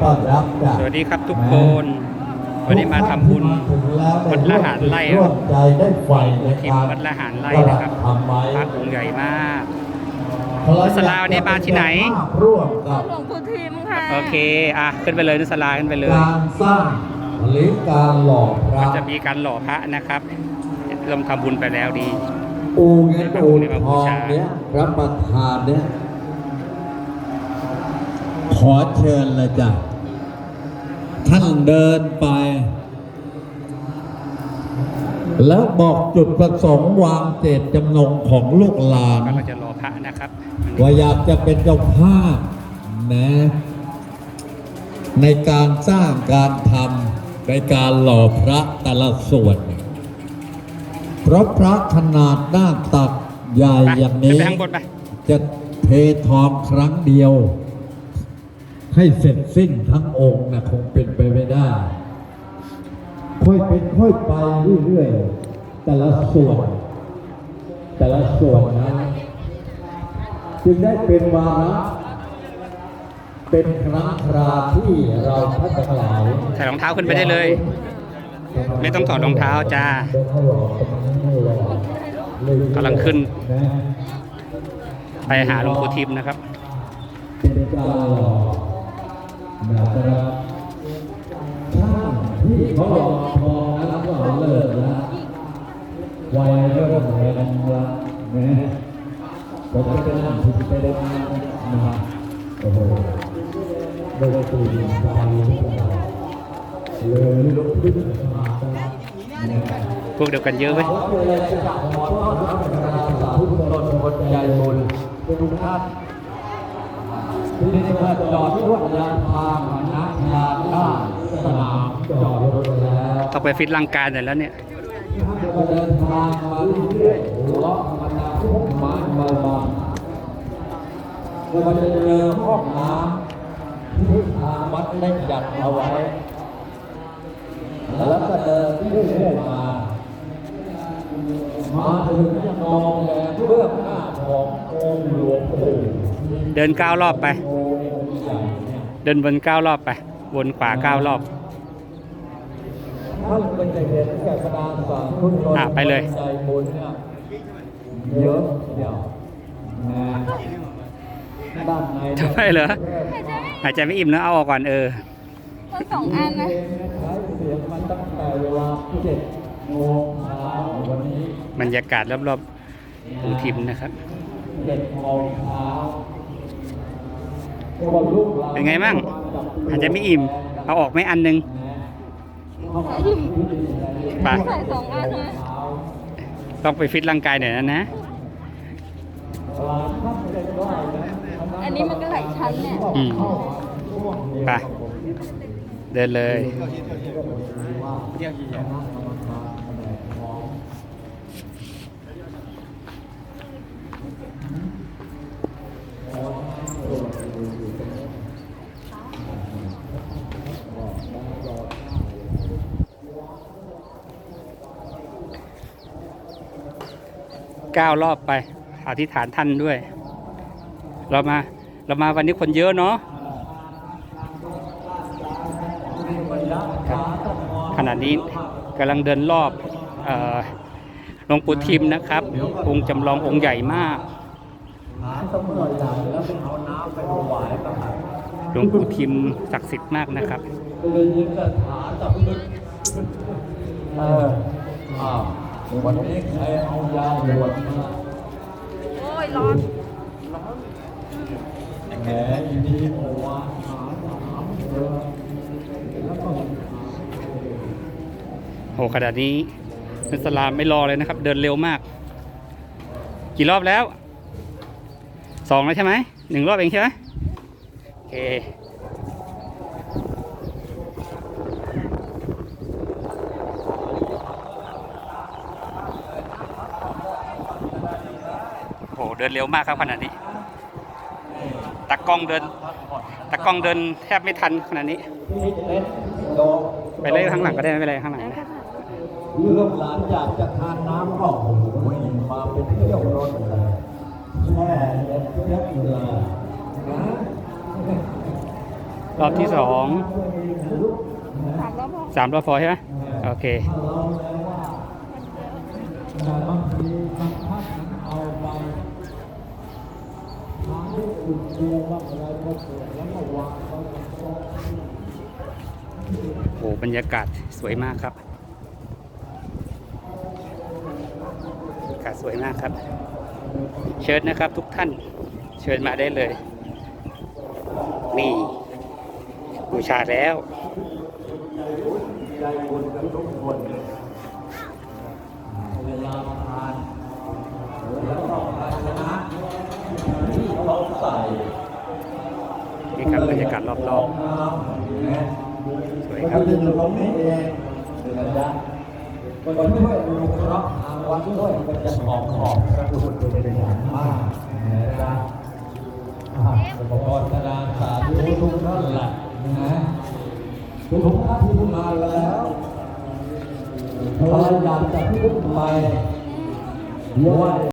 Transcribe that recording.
ต้อนรับจากสวัสดีครับทุกคนวันนี้มาทำบุญวัดละหารไร่ครับใจได้ไฟในทีมการวัดละหารไร่นะครับพระองค์ใหญ่มากนุสลาวันนี้มาที่ไหนร่วมกับหลวงปู่ทิมค่ะโอเคขึ้นไปเลยนุสลาขึ้นไปเลยการสร้างหรือการหล่อพระมันจะมีการหล่อพระนะครับเราทำบุญไปแล้วดีปูเงินปูทองเนี้ยรับประทานเนี้ยขอเชิญเลยจ้ะท่านเดินไป แล้วบอกจุดประสงค์วางเจตจำนงของลูกหลานก็เราจะหล่อพระนะครับว่าอยากจะเป็นเจ้าภาพนะในการสร้างการทำในการหล่อพระแต่ละส่วนเพราะพระขนาดหน้าตักใหญ่อย่างนี้ไปข้างบนไปจะเททองครั้งเดียว ให้เสร็จสิ้นทั้งองค์นะคงเป็นไปไม่ได้ ค่อยเป็นค่อยไปเรื่อยๆแต่ละส่วนนั้นจึงได้เป็นวาระเป็นครั้งคราที่เราท่านทั้งหลายใส่รองเท้าขึ้นไปได้เลย ไม่ต้องถอดรองเท้าจ้ากำลังขึ้นไปหาหลวงปู่ทิมนะครับเป็นการหล่อนะครับช่างที่เขาหล่อทองนั้นก็เลิกแล้ววัยเริ่มแรงแล้วนะผมก็จะนั่งที่ไปได้มาโอ้โหโดยตื่นใจเลยลุกขึ้นมาพวกเดียวกันเยอะไหมทุกคนใจบุญทุกท่านที่ได้มาจอดรถยานพาหนะยานได้สนามจอดรถแล้วต้องไปฟิตร่างกายหน่อยแล้วเนี่ยก็เดินทางมาเรื่อยๆหัวเราะธรรมดาทุกไม้เบาๆแล้วก็จะเจอห้องน้ำที่ทางวัดได้จัดเอาไว้แล้วก็เดินเรื่อยๆมาถึงยังมองแลเบื้องหน้าขององค์หลวงปู่เดิน9 รอบไป เดินวน9 รอบไป วนขวา9 รอบท่านเป็นใจเย็นแก่พระดาสารพุทธไปเลยใจบุญเนี่ยเยอะเดียวนะด้านในทำไมเหรอหายใจไม่อิ่มนะเอาออกก่อนมัน2 อันนะใช้เสียงมาตั้งแต่เวลา7 โมงเช้าวันนี้บรรยากาศรอบๆปู่ทิมนะครับ 7 โมงเช้าเป็นไงบ้างหายใจไม่อิ่มเอาออกไหมอันนึงไปใส่2 อันนะต้องไปฟิตร่างกายหน่อยนะอันนี้มันก็หลายชั้นเนี่ยไปเดินเลย9 รอบไปอธิษฐานท่านด้วย เรามาวันนี้คนเยอะเนาะขณะนี้กำลังเดินรอบหลวงปู่ทิมนะครับองค์จำลององค์ใหญ่มากหลวงปู่ทิมศักดิ์สิทธิ์มากนะครับวันนี้ใครเอายาหวดมาโอ้ย ร้อนแหมอยู่ดีโอ้วาหาแล้วก็โหขนาดนี้นัสลามไม่รอเลยนะครับ เดินเร็วมาก กี่รอบแล้ว2แล้วใช่ไหม1 รอบเองใช่ไหมโอเคโหเดินเร็วมากครับขนาดนี้ตากล้องเดินแทบไม่ทันขนาดนี้ไปเลยข้างหลังก็ได้ไม่เป็นไรข้างหลังนะลูกหลานอยากจะทานน้ำก็โอ้โหมาเป็นเที่ยวรถเลยแช่เย็นเย็นเลยนะรอบที่สอง 3 รอบพอ 3 รอบพอใช่ไหมโอเคแต่บางทีบางท่านเอาไปทางที่อุ่นตัวบ้างอะไรก็เกิดแล้วก็วางไว้บนโต๊ะโอ้บรรยากาศสวยมากครับบรรยากาศสวยมากครับ เชิญนะครับทุกท่านเชิญมาได้เลย นี่บูชาแล้วใจบุญกับทุกคนเวลาทานแล้วก็ภาชนะที่เขาใส่นี่ครับบรรยากาศรอบน้ำนะๆสวยคก็รับดึงตรงนี้เองนะจ๊ะก็ช่วยดูครับทางวัดด้วยมันจะหอมกระดูกเป็นอย่างมากนะจ๊ะอุปกรณ์กระดานสาธุทุกท่านแหละนะทุกท่านที่มาแล้วพยายามจะพูดไปไหว้